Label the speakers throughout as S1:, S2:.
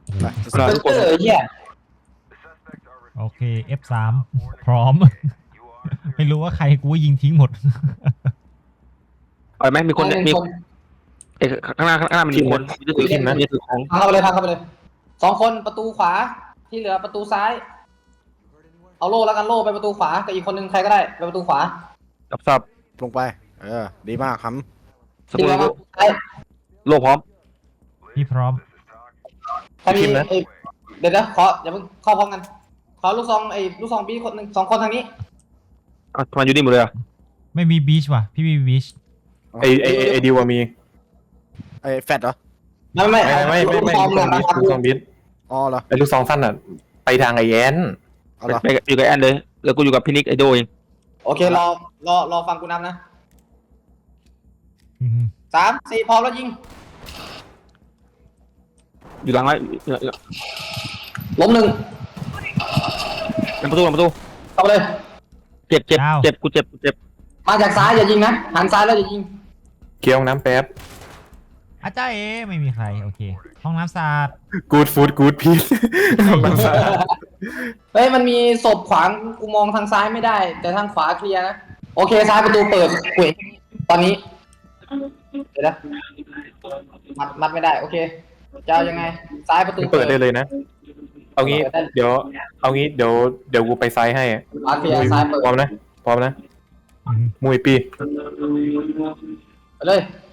S1: ทุกคนเฮีย
S2: โอเค F3 พร้อม ไม่รู้ว่าใครกูยิงทิ้งหมด
S3: เอาไหมมีคนมีข้างหน้ามีคนมีถือทีมนะมีถือของ
S1: พังเข้าไปเลยพังเข้าไปเลย2 คนประตูขวาที่เหลือประตูซ้ายเอาโล่แล้วกันโล่ไปประตูขวากับอีกคนนึงใครก็ได้ไปประตูขวา
S3: สับ
S4: ลงไปดีมากครับ
S3: ส
S1: ที่
S3: มุ
S1: เหลื
S3: น
S1: อมาซ้าย
S3: โลพร้อม
S2: พี่พร้อม
S1: ใครมีเดี๋ยวขออย่าเพิ่งเข้าพร้อมกันขอลูกซองบีคนหนึ่ง2 คนทางนี้
S3: ทำไมอยู่นี่หมดเลยอ่ะ
S2: ไม่มีบีชว่ะ พี่มีบีช
S5: ไอดิวมี
S4: ไอ้แฟดเหรอ
S1: ไม่
S5: ไม่
S1: ลูกซอง
S5: ลูก
S1: นะ
S5: ซองบิด
S4: อ๋อเหรอ
S5: ไอลูกซองสั้นอ่ะไปทางไอแอน
S4: เอาเหรอ
S3: ไปอยู่กับแอนเลยแล้วกูอยู่กับพี่นิกไอโดเอง
S1: โอเครอฟังกูนับนะ
S2: อืม
S1: 3 4พร้อมแล้วยิง
S3: อยู่หลังไว้
S1: ล้ม1
S3: เป็นประตู
S1: เข้าไปเลย
S3: เจ็บกูเจ็บ
S1: มาจากซ้ายอย่ายิงนะหันซ้ายแล้วอย่ายิง
S5: เคี้ยวน้ำแป๊บ
S2: อาจารย์ไม่มีใคร โอเค ห้องน้ำสะอาด
S5: กูดฟูดกูดพีซ
S1: เฮ้ยมันมีศพขวางกูมองทางซ้ายไม่ได้ แต่ทางขวาเคลียร์นะโอเคซ้ายประตูเปิดเว้ยตอนนี้เดี๋ยวนะมัดไม่ได้โอเคจะเอายังไงซ้ายประตู
S5: เปิดได้เลยนะ เอางี้เดี๋ยวกูไปไซส์ให้
S1: ขวาเคลียร์ซ้ายเปิด
S5: พร้อมนะ
S2: อืม
S5: มวยปี
S1: ไปเลย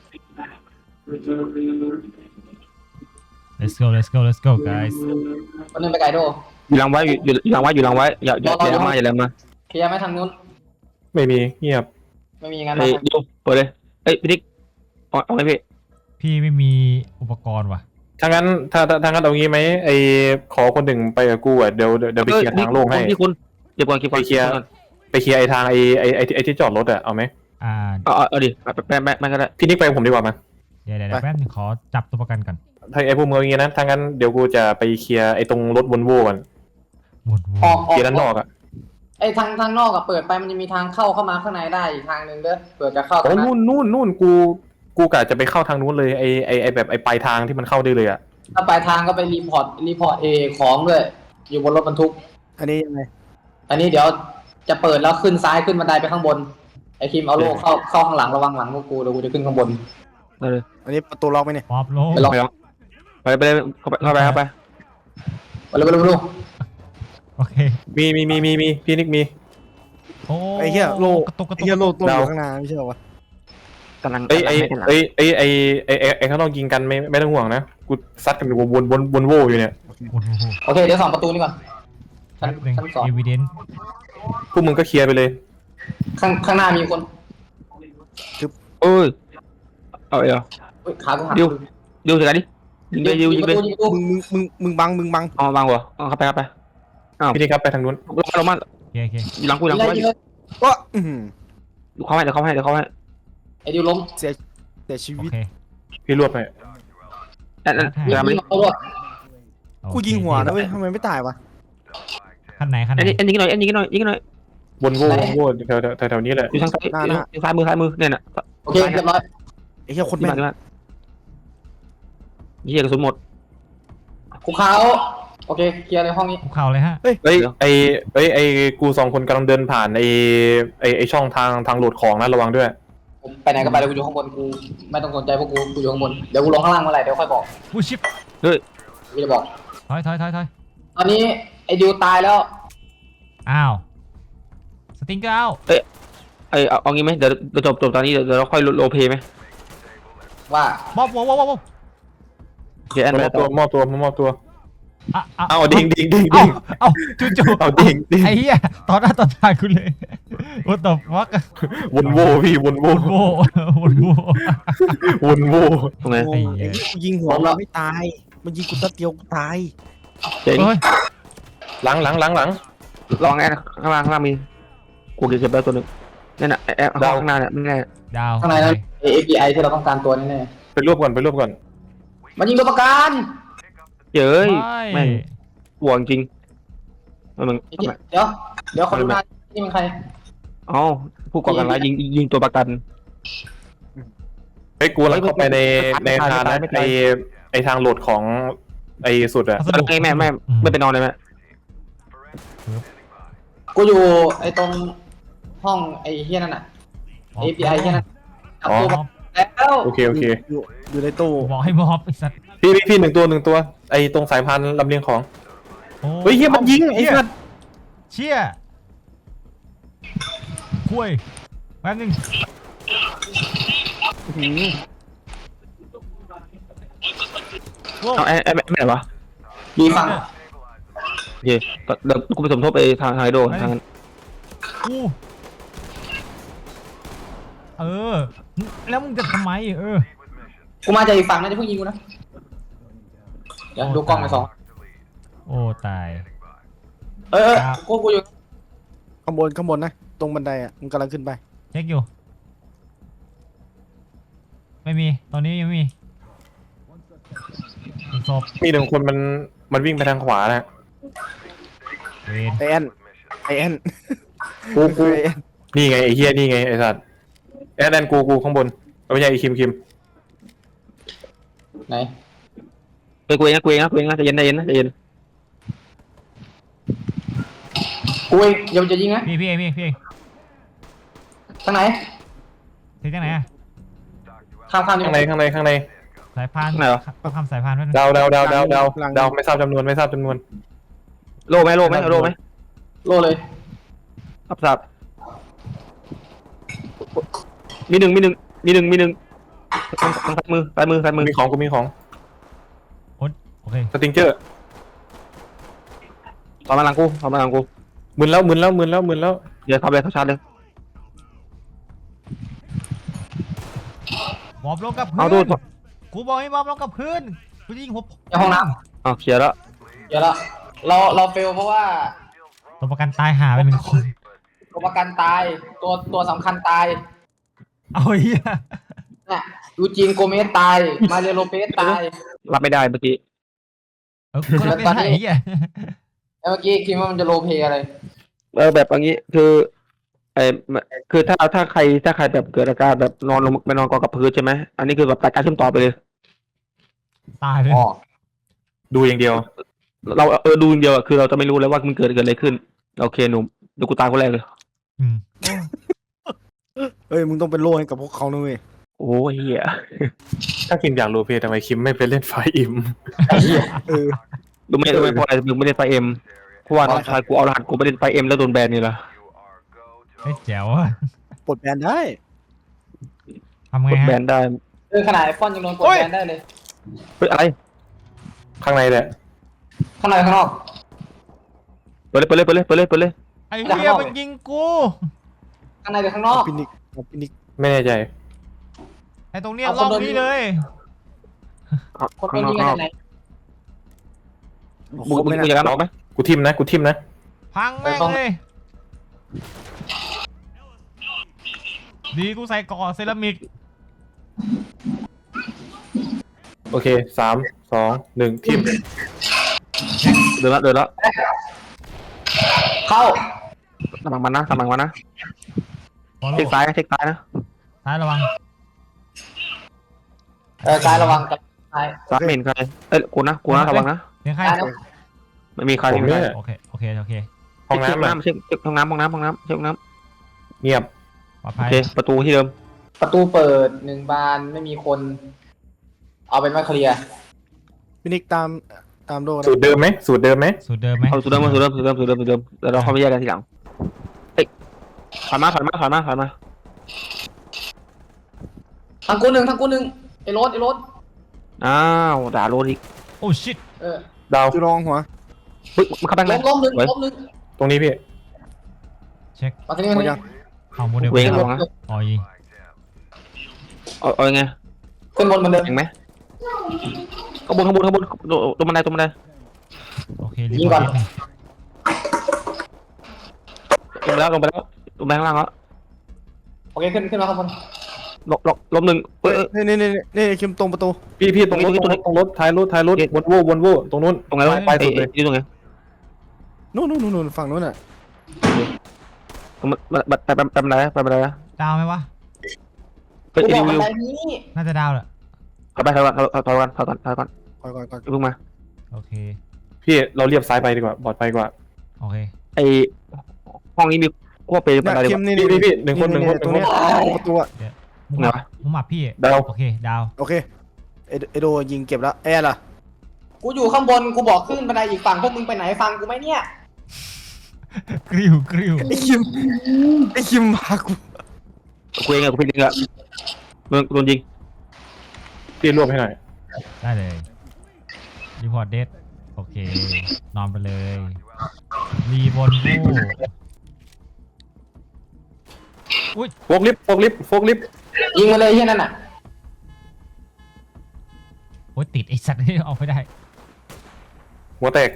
S2: let's go guys
S1: คนหนึงไปไกลโด
S3: อยู่หลังไว้อยู่หลังไว้อย่ามา
S1: เคลียร์ไหมทางนู้น
S5: ไม่มีเงียบ
S1: ไม่มีงั้น
S3: ไอ้
S1: นะ
S3: ดูเปิดเลยเอ้ยพี่นิกเอาไงพี่
S2: พี่ไม่มีอุปกรณ์ว่ะ
S5: ถ้างั้นเอางี้ไหมไอขอคนหนึ่งไปกับกูอ่ะเดี๋ยวไปเคลียร์ทางโล่งให้
S3: พี่คุณเก็บก่อน
S5: ไปเคลียร์ไอทางไอที่จอดรถอ่ะเอาไหม
S3: เอาดิแม่ก็ได้
S5: พี่นิกไปกับผมดีกว่ามั้ย
S2: เดี๋ยวแป๊บนึงขอจับตัวประกันก่อน
S5: ถ้าไอพวกมึงอย่างงี้นะถ้างั้นเดี๋ยวกูจะไปเคลียร์ไอตรงรถวนโว่ก่อน
S2: หมด
S1: ออก
S5: เคลียร์ด้านนอกอ่ะ
S1: ไอ้ทางนอกอะเปิดไปมันจะมีทางเข้ามาข้างในได้อีกทางหนึ่งเด้อเปิดจะเข้า
S5: โอ้
S1: ทางนั้น
S5: นู่นกูกะจะไปเข้าทางนู้นเลยไอแบบไอปลายทางที่มันเข้าได้เลยอ่ะ
S1: ถ้าปลายทางก็ไปรีพอร์ตของด้วยอยู่บนรถบรรทุก
S4: อันนี้ยังไง
S1: อันนี้เดี๋ยวจะเปิดแล้วขึ้นซ้ายขึ้นบันไดไปข้างบนไอ้คิมเอาโล่เข้าข้างหลังระวังหลังพวกกูเดี๋ยวกูจะขึ้นข้างบน
S3: ได้เลย
S4: อันนี้ประตูล็อกไหมเนี่ย
S2: ป๊อปโล
S1: ไปลอง
S3: ไปเลยเข้าไป
S1: ไปเลย
S2: โอเค
S5: มีพี่นิกมี
S2: โอ้
S4: ไอ้เหี้ยโล
S2: กระตุก
S4: ไอ้เหี้ยโลตัวอยู่ข้างหน้าไม่ใช่เหรอวะ
S3: กำลัง
S5: ไอเขาต้องยิงกันไม่ต้องห่วงนะกูซัดกันวนโว่อยู่เนี่ย
S2: โอ้โห
S1: โอเคเดี๋ยว2 ประตูนี่ก่อนชั้น
S2: หนึ่ง
S1: 2
S2: evidence
S5: พวกมึงก็เคลียร์ไปเลย
S1: ข้างหน้ามีคน
S3: เอ้ยเอาเหรอ
S1: เฮ้ยขากูหัก
S3: ดิวสิกันดิยิงเลยยิงเลย
S1: ประตู
S4: มึงบัง
S3: อ๋อบางหัวเข้าไปอ้าว
S5: พี่นิกครับไปทางนู้น
S3: ลงมา
S2: โอเค
S3: อยู่หลังกู
S1: ยิงเลย
S4: ก็
S3: เดี๋ยวเข้าให้
S1: ไอ้ดิวล้ม
S4: เสียชี
S2: โอ
S4: วิต
S2: เค
S5: พี่รวบไป
S3: นั่น
S1: ยิงเอาด้วย
S4: กูยิงหัวนะเว้ยทำไมไม่ตายวะ
S2: ขั้นไหน
S3: ยิงหน่อย
S5: วนโว่แถวนี้แหละ
S3: อยู่ทางซ้ายมือเนี่ยน่ะ
S1: โอเคเรียบร้อย
S4: ไอ้เหี้ยคนแม่น
S3: ยี่กระสุนหมด
S1: กูเขาโอเคเคลียร์ในห้องนี้
S2: คุกเข่าเลยฮะ
S5: เฮ้ยไอกู2 คนกำลังเดินผ่านไอช่องทางโหลดของนะระวังด้วย
S1: ไปไหนก็ไปเดี๋ยวกูอยู่ข้างบนกูไม่ต้องสนใจพวกกูอยู่ข้างบนเดี๋ยวกูลงข้างล่างเมื่อไหร่เดี๋ยวค่อยบอก
S2: วูชิป
S1: กูจะบอก
S2: ถอย
S1: ตอนนี้ไอ้ดิวตายแล้ว
S2: อ้าวสติงเกอร์เอา
S3: เอางี้ไหมเดี๋ยวจบตอนนี้เดี๋ยวเราค่อยโรเพย์ไหม
S1: ว่า
S2: บ๊อบ
S3: เดี๋ยวแอน
S5: มอบตัวเอาดิ่ง
S2: เอาจู่
S5: เอาดิ่ง
S2: ไอ้เหี้ยต่อหน้าต่อตาคุณเลย what the fuck
S5: วนโว่พี่วนโว่
S2: วนโว่
S3: ตรงไหน
S4: โอ้ยไอ้เหี้ยกูยิงหัวมันไม่ตายมันยิงกูตัดเดียวกูตาย
S3: เจ๋ง
S2: เฮ้ย
S5: หลัง
S3: ลองแอนข้างล่างมีกูเก็บไปตัวนึงนี่น่ะแอนข้างหน้าเนี่ยไม่แน่
S2: ดาว
S1: ข้างในนั้น API ที่เราต้องการตัวแน่
S5: ไปรวบก่อน
S1: ๆมันยิงตัวประกัน
S3: เจ๋ย
S2: ไม่
S3: แม่งห่วงจริงมัน
S1: เดี๋ยวขอดูหน้านี่มันใคร
S3: อ๋อผู้ก่อการร้ายยิงตัวประกัน
S5: ไอ้กูแล้วเข้าไปในทางนะไอทางโหลดของไอ้สุดอะ
S2: พัสดุ
S3: ไม่ไปนอนเลยแม่
S1: กูอยู่ไอ้ตรงห้องไอ้เฮียนั่นน่ะ API เฮียนั่น
S5: อ๋อ
S1: แล้ว
S5: โอเคโอเค
S4: อยู่ในตู้
S2: บอกให้มอบไอ้สัตว์
S5: พี่หนึ่งตัวไอ้ตรงสายพานลำเลียงของ
S2: โอ้
S5: เฮ้ยเฮียมันยิงไอ้สัตว์
S2: เชี่ยคุยแป๊บนึง ว้าว
S3: เอาไอ้ไม่ไหนวะ
S1: ดีฝั่ง
S3: โอเคเดี๋ยวกูไปสมทบไปทางไฮโดทางนั้น
S2: กูแล้วมึงจะทำไม
S1: กูมาจากอีกฝั่งนะจะเพิ่งยิงกูนะเดี๋ยวดูกล้องไปสอง
S2: โอ้ตาย
S1: กูอยู่
S4: ข้างบนนะตรงบันไดอ่ะมึงกำลังขึ้นไป
S2: เช็คอยู่ ไม่มีตอนนี้ยังไม่มีศพ
S5: มีหนึ่งคนมันวิ่งไปทางขวานะ
S2: เวน
S4: ไอแอน
S5: กู
S4: ไอแอน
S5: นี่ไงไอ้เฮียนี่ไงไอ้สัตว์แอดแอนกูข้างบนไม่ใช่ไอ้คิม
S1: ไหน
S3: กูเองนะใจเย็นนะใจเย็น
S1: กูเองเดี๋ยวจะยิงนะ
S2: พี่เอง
S1: ทางไหน
S2: เช็คจากไหนอะ
S1: ข้ามอยู่
S5: ข้างใน
S2: สายพานต้องทำสายพานไว้
S5: ดาวไม่ทราบจำนวน
S3: โล่ไหม
S1: โลเลย
S3: สับมีหนึ่งซ้ายมือ
S5: มีของกูมีของ
S2: โอเค
S5: สติงเจอร์
S3: ต่อมาหลังกู
S5: มึนแล้ว
S3: เดี๋ยวเข้าไปเข้าชาร์จเลย
S2: มอบลงกับพื้
S3: เอาดู
S2: นกูบอกให้มอบลงกับพื้นกูจะยิงหัว
S1: ในห้องน้
S3: เคลียร์แล้ว
S1: ำเดี๋ยวละเราเฟลเพราะว่า
S2: ตัวประกันตายหาไป1 คน
S1: ตัวประกันตายตัวสำคัญตาย
S2: เอาเหี้ย
S1: เนี่ยยูจีนโกเมสตายมาเรโลเปสตาย
S3: รับไม่ได้เมื่อกี้
S2: กูจะเป็นไอ้เหี้ย
S1: แล้วเมื่อกี้คิดว่ามันจะโรลเพลย์อะไร
S3: แบบอย่างนี้คือคือถ้าใครแบบเกิดอาการแบบนอนลงไปนอนกองกับพื้นใช่ไหมอันนี้คือแบบตัดการเชื่อมต่อไปเลย
S2: ตายเลย
S1: อ๋อ
S5: ดูอย่างเดียว
S3: เราดูอย่างเดียวคือเราจะไม่รู้เลยว่ามันเกิดอะไรขึ้นโอเคหนุ่มเดี๋ยวกูตายคนแรกเลย
S2: อืม
S4: เอ้ยมึงต้องเป็นโล่ให้กับพวกเขานะเว้ย
S3: โอ้ยเหี้ย
S5: ถ้าคิมอยากรู้เพย์ทำไมคิมไม่ไปเล่นไฟอิม
S4: เออ
S3: ดูไม่เพราะอะไรมึงไม่ได้ไฟเอ็มเพราะว่าน้องชายกูเอารหัสกูไปเล่นไฟเอ็มแล้วโดนแบนนี่แหละ
S2: ไอ้แจ๋วอะ
S4: ปลดแบนได้
S2: ทำไง
S3: กดแบ
S2: ฮะ
S3: นได้
S1: ขนาดไอฟอนยังโดนกดแบนได้เลย
S3: เฮ้ยอะไร
S5: ข้างในแหละ
S1: ข้างในข้างนอก
S3: เปิดเลย
S2: ไอ้เหี้ยมันยิงกู
S1: ข้างในหรือข้างนอก
S4: พินิก
S5: ไม่แน่ใจ
S2: ไอ้ตรงเนี้ยล่องนี้เลย
S1: คนโดนยิงกันไหน
S3: มึงอยากกันออกไหม
S5: กูทิมนะ
S2: พังแม่งเลยดีกูใส่ก่อเซรามิก
S5: โอเค3 2 1ทิม
S3: เดินแล้ว
S1: เข้า
S3: สมังมันนะเช็คซ้ายนะ
S2: ซ้ายระวัง
S1: ซ้ายระวังกับซ้าย
S3: ซ้ายไม่เห็นใครกูนะระวังนะ
S2: เสียงใคร
S3: ไม่มีใคร
S5: ผมเนี่ย
S2: โอเค
S5: ห้องน้ำอะ
S3: เช็คห้องน้ำ
S5: เงียบ
S2: ปลอด
S3: โอ
S2: ภัย
S3: เคประตูที่เดิม
S1: ประตูเปิด1 บานไม่มีคน เอาเป็นว่าเคลียร์
S4: พินิกตามโล่นะ
S5: สูตรเดิมไหม
S2: สูตรเดิมไหม
S3: เอาสูตรเดิมแล้วเราเข้าไปแยกกันทีหลังเอ้ยถอยมา
S1: ทางกูหนึ่งไอ้รถ
S3: อ้าวด่าโรดอีก
S2: โอ้ชิต
S5: ดาว
S4: จุลองหัว
S3: เฮ้ยมันเข้าไปไหน
S1: ล้มหนึ่ง
S5: ตรงนี้พี่
S2: เช็ค
S1: มาที่นี่
S4: หม
S1: มา
S4: ด
S1: ที่
S4: ยัง
S2: เอาโมเดล
S3: เวงระวังนะ
S2: อ๋อยิง
S3: เอายังไง
S1: ขึ้นบนเหมือนเดิม
S3: เห็นไหมข้างบนตรงบันได
S2: โอเครีบอร์ด
S3: ลงไปแล้วข้างล่างแล้ว
S1: โอเคขึ้นมาข้างบน
S3: ลบหนึ่งเอ้ย
S4: นี่คิมตรงประตู
S5: พี่ตรงรถท้ายรถวนโว่ตรงนู้น
S3: ตรงไหนวะ
S5: ไปสุดเลย
S3: อยู่ตรงไหน
S4: นู่นฝั่งนู้นอ่ะ
S3: ไปบันไดนะ
S2: ดาวไหมวะ
S3: เฮ้ย
S1: กูบอกบั
S3: วิ
S1: น
S3: ว
S1: ไดนี้
S2: น่าจะดาวแหละ
S3: ถอยก่อน
S4: ก่อน
S3: เพิ่งมา
S2: โอโอเค
S5: พี่เราเรียบซ้ายไปดีกว่าปลอดภัยกว่า
S2: โอเค
S3: ไอห้องนี้มีขั้วเป็น
S4: เนี่ย
S3: อะไร
S4: คิ
S3: วะ
S4: มนี่
S5: พี่หนึ่งคน
S4: ตรงเนี้ยประตูอะ
S2: มุม
S3: เหร
S2: อั
S3: อ
S2: บมุมอับพี่
S5: ดาว
S2: โอเคดาว
S4: โอเคไอโดยิงเก็บแล้วแอร์ล่ะ
S1: กูอยู่ข้างบนกูบอกขึ้นบันไดอีกฝั่งพวกมึงไปไหนฟังกูไหมเนี่ย
S2: กริ้วกริ้ว
S4: ไอคิมมากู
S3: กูเองอะกูเป็นเองอะมึงโดนยิง
S5: พี่รวบให้หน่อย
S2: ได้เลยรีพอร์ตเดทโอเค นอนไปเลยรีบนบูอุ้ย
S5: โฟกลิฟต์โฟกลิฟต์โฟกลิฟต์
S1: ยิงมาเลยที่นั่นน่ะ
S2: โอ้ยติดไอสัตว์นี่ออกไม่ได้
S5: หัวแตก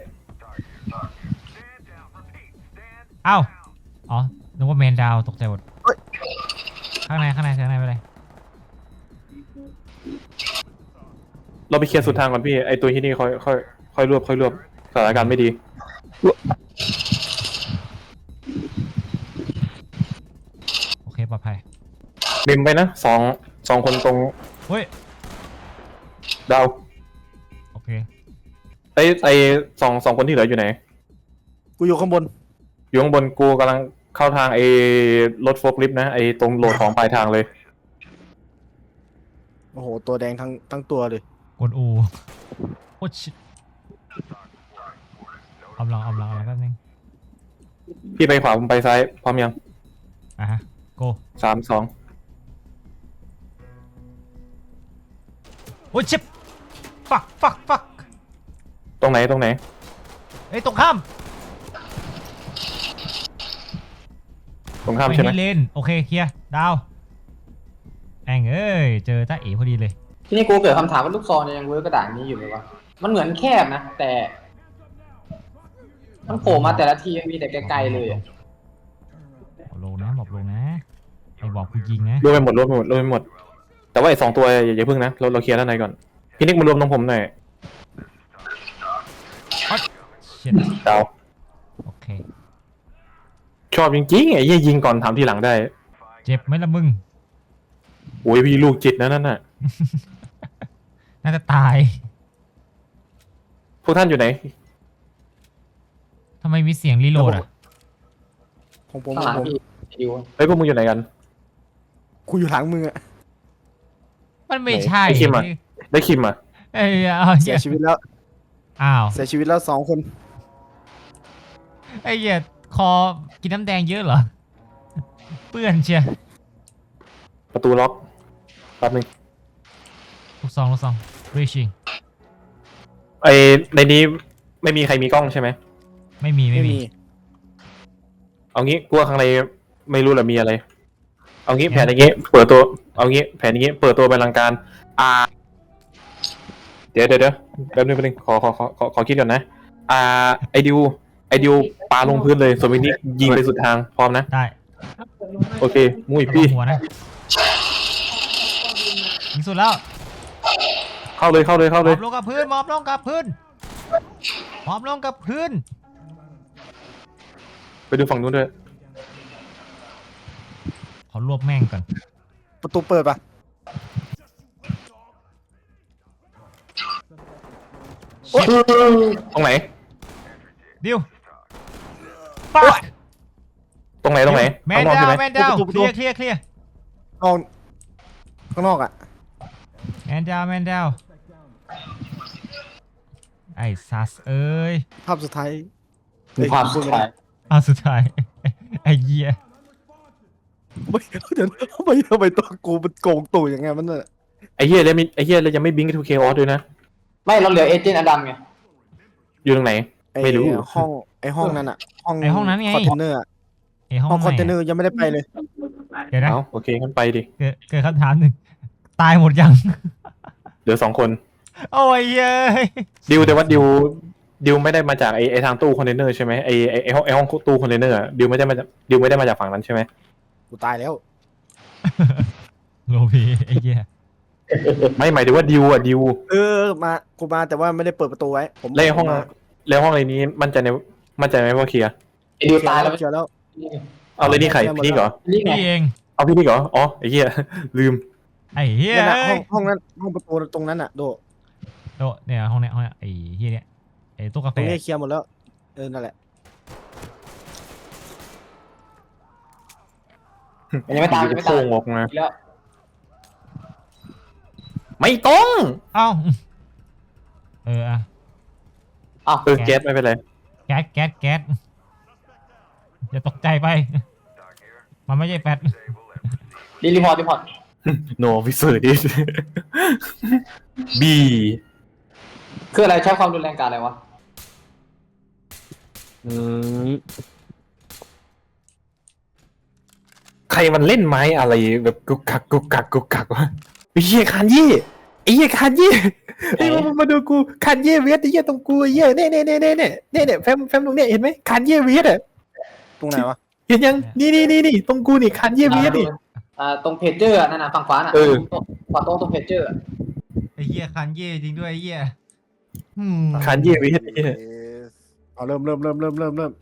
S2: อ้าวอ๋อนึกว่าแมนดาวตกใจหมดข้างในไปเลย
S5: เราไปเคลียร์สุดทางก่อนพี่ไอตัวที่นี่ค่อยรวบสถานการณ์ไม่ดี
S2: โอเคปลอดภัย
S5: เมมไปนะสองคนตรง
S2: เฮ้ย
S5: ดาว
S2: โอเค
S5: ไอสองคนที่เหลืออยู่ไหน
S4: กูอยู่ข้างบน
S5: อยู่ข้างบนกูกำลังเข้าทางไอรถโฟกลิฟต์นะไอตรงโหลดของปลายทางเลย
S4: โอ้โหตัวแดงทั้งตัวเลย
S2: กดอูโอ้ชิเอาลองแป๊บนึง
S5: พี่ไปขวาผมไปซ้ายพร้อมยัง
S2: อ่ะฮะโก
S5: 3 2
S2: โอ้ชิปฟัก
S5: ตรงไหน
S2: เอ้ยตรงข้าม
S5: ตรงข้ามใช่ไหม
S2: ให้เลนโอเคเคลียร์ดาวแองเอ้ยเจอตาเอ๋พอดีเลย
S1: ทีนี้กูเกิดคำถามว่าลูกซองเนี่ยยังเวิร์กกระดาษนี้อยู่ไหมวะมันเหมือนแคบนะแต่มันโผล่มาแต่ละทีมันมีแต่ไกลๆเลยอะ
S2: บอกลงนะไอ้บอกกูยิงนะ
S5: รวมไปหมด แต่ว่าไอ2 ตัวอย่าเพิ่งนะเราเคลียร์ด้านในก่อนพี่นิกมารวมตรงผมหน่อย
S2: เช็ด
S5: ดาว
S2: โอเค
S5: ชอบจริงๆไอ้เหี้ยยิงก่อนถามทีหลังได้
S2: เจ็บไหมล่ะมึง
S5: โอ้ยพี่ลูกจิตนะนั่นน่ะ
S2: น่าจะตาย
S5: พวกท่านอยู่ไหน
S2: ทำไมมีเสียงรีโหลดอ่ะ
S4: ของผม
S1: ข้างหลังพี่ดิว
S5: เฮ้ยพวกมึงอยู่ไหนกัน
S4: กูอยู่หลังมึงอะ
S2: มันไม่ใช่
S5: ไอ้คิมอะ ได้คิมอ่ะ
S2: เอ้ยเอา
S4: เสียชีวิตแล้ว
S2: อ้าว
S4: เสียชีวิตแล้ว2 คน
S2: ไอ้เหี้ยคอกินน้ำแดงเยอะเหรอเปื้อนเชีย
S5: ประตูล็อกแป๊บนึง
S2: ลูกซองรีชิง
S5: ไอในนี้ไม่มีใครมีกล้องใช่ไหม
S2: ไม่มี
S5: เอางี้กลัวข้างในไม่รู้หรอมีอะไร เอางี้แผนอย่างงี้เปิดตัวเอางี้แผนอย่างงี้เปิดตัวเป็นลังการเดี๋ยวแป๊บนึงขอคิดก่อนนะไอดิวปาลงพื้นเลยส่วนมินิยิงไปสุดทางพร้อมนะ
S2: ได้
S5: โอเคมุ้ย
S2: ระวั
S5: พี่
S2: งหัวนะยิงสุดแล้ว
S5: เข้าเลย
S2: หมอบลงกับพื้น
S5: ไปดูฝั่งนู้นด้วย
S2: ขอรวบแม่งก่อน
S4: ประตูเปิดปะ
S5: ตรงไหน
S2: ดิวปัก
S5: ตรงไหน
S2: แม
S5: ข้าน งนอก
S2: ดา
S5: ใช่
S2: ว
S5: ไหม
S2: แมนดาวเคลียร์
S4: นอกข้างนอกอะ
S2: แมนดาวไอ้ซัสเอ้ย
S4: ภาพสุดท้าย
S1: มีความสุขใจ
S2: เอาสุดท้าย ไอ้เหี้ย
S4: ไม่เดี๋ยวทำไมตัวกูมันโกงตู่ยังไงมันน่ะ
S5: ไอ้เหี้ยแล้วยังไม่บิงก์ทูเคออสด้วยนะ
S1: ไม่เราเหลือเอเจนต์อดัมไง
S5: อยู่ตรงไหน ไม่รู้
S4: ห้องนั้นอะ
S2: ไอ้ห้องนั้นไง
S4: คอนเทนเนอร์อะ
S2: ไอ้ห้อง
S4: ห้องคอนเทนเน
S2: ไห
S4: อน ร์ยังไม่ได้ไปเลย
S2: เดี๋ยวนะ
S5: เอาโอเคงั้นไปดิ
S2: เกิดคำถามหนึ่งตายหมดยัง
S5: เหลือ2 คน
S2: โอ้ยเย้ย
S5: ดิวแต่ว่าดิวไม่ได้มาจากไอทางตู้คอนเทนเนอร์ใช่ไหมไอห้องตู้คอนเทนเนอร์ดิวไม่ได้มาจากฝั่งนั้นใช่ไหม
S4: กูตายแล้ว
S2: โลพีไอ้เหี้ย
S5: ไม่หมายถึงว่าดิว
S4: กูมาแต่ว่าไม่ได้เปิดประตูไว้ผม
S5: แล้วห้องอะไรนี้มั่นใจไหมว่าเคลียร์
S1: ไอ้ดิวตายแล้ว
S4: เจอแล้ว
S5: เอาเลยนี่ใครพี่นิกเหรอ
S1: นี่ไง
S2: พี่เอง
S5: เอาพี่นิกเหรออ๋อไอ้เหี้ยลืม
S2: ไอ้เหี้ย
S4: นั่นน่ะห้องนั้นห้องประตูตรงนั้นอะโด
S2: โตะเนี่ยห้องเนี้ยไอ้เหี้ยเนี่ยไอ้ตู้กา
S4: ต
S2: แฟ
S4: รงนี้เคลียร์หมดแล้วนั่นแหละ
S1: มันยังไม่ตายยังไม่ตา
S5: โค้
S1: ย
S5: งออกมา
S1: แล้ว
S5: ไม่ต้อง
S2: เอ้าอ่ะ
S1: อ้าว
S5: แก๊สไม่เป็นไร
S2: แก๊สอย่าตกใจไป มันไม่ใช่แฟต
S1: รีพอร์ต
S5: no officer this B
S1: คืออะไรใช้ความรุนแรงกับอะไรวะ
S5: ใครมันเล่นไม้อะไรแบบกุกกักกุกกักกุกกักวะไอ้เหี้ยคานยี่ไอ้เหี้ยคานยี่ไอ้ยมาดูกูคานยี่เวทไอ้เหี้ยตรงกูไอ้เหี้ยเนี่ยแฟมตรงเนี้ยเห็นไหมคานยี่เวทอ่ะ
S4: ตรงไหนวะ
S5: เห็นยังนี่ตรงกูนี่คานยี่เวทนี่
S1: ตรงเพจเจอร์นั่นน่ะฝั่งขวาน่ะ
S5: เออ
S1: ขวาตรงเพจเจอร์
S2: ไอ้เหี้ยคันเย่จริงด้วยไอ้เหี้ย
S5: คานยี่เวทไอ้เหี้ย
S4: เอาเริ่ม